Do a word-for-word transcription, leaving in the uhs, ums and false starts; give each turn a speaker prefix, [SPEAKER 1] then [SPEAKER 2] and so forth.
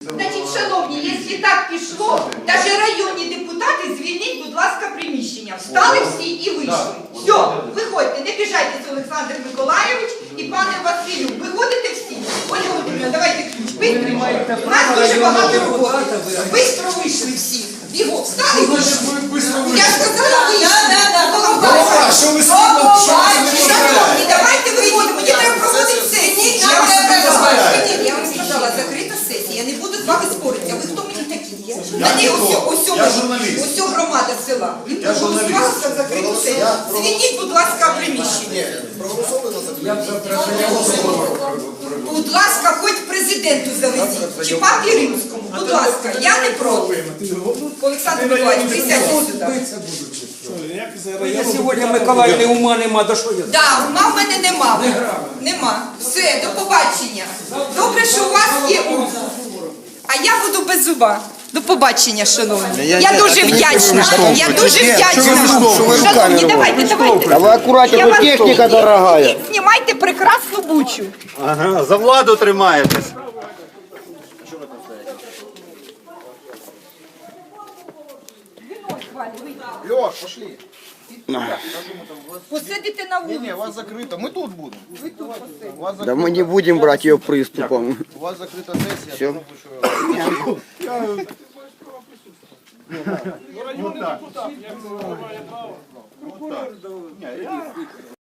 [SPEAKER 1] Значить, шановні, якщо так пішло, навіть районні депутати, звільніть, будь ласка, приміщення. Встали всі і вийшли. Все, виходьте, не біжайте, Олександр Миколайович і пане Василю. Виходите всі. Ольга Володимирівна, давайте ключ. Бистро. У нас дуже багато роботи. Бистро вийшли всі. Бігом, встали і вийшли. Я сказала, вийшли.
[SPEAKER 2] А що ви
[SPEAKER 1] Шановні, давайте виходимо. Мені треба проводити сесію. Я вам сказала, я вам сказала, закрита сесія. Я не буду з вами спорити. А ви хто мені такі? Та ні, ось громада села. Ви проголосувалися за закриту сесію. Звільніть, будь ласка, приміщення. Будь ласка, хоч президенту завезіть. Чи папі Римському. Будь ласка, я не проти. Олександр Миколаївич, присядьте сюди.
[SPEAKER 3] Я сьогодні Миколаївни ума нема, до що я?
[SPEAKER 1] Так, ума в мене нема. Нема. Все, до побачення. Добре, що у вас є ум. А я буду без зуба. До побачення, шановні. Я дуже вдячна. Я дуже вдячна. Шановні, давайте, давайте.
[SPEAKER 4] А вы аккуратнее, тут техника дорогая.
[SPEAKER 1] Знімайте прекрасну бучу.
[SPEAKER 4] Ага, за владу тримаєтесь.
[SPEAKER 2] Леш, пошли.
[SPEAKER 1] Посидите на вулиці.
[SPEAKER 2] Не, у вас закрыто. Мы тут будем.
[SPEAKER 1] Ви тут посидите.
[SPEAKER 2] У вас, зак...
[SPEAKER 4] Да мы не будем брать ее приступом.
[SPEAKER 2] у вас закрыта сессия.
[SPEAKER 4] Все.
[SPEAKER 2] Вот так. Вот так.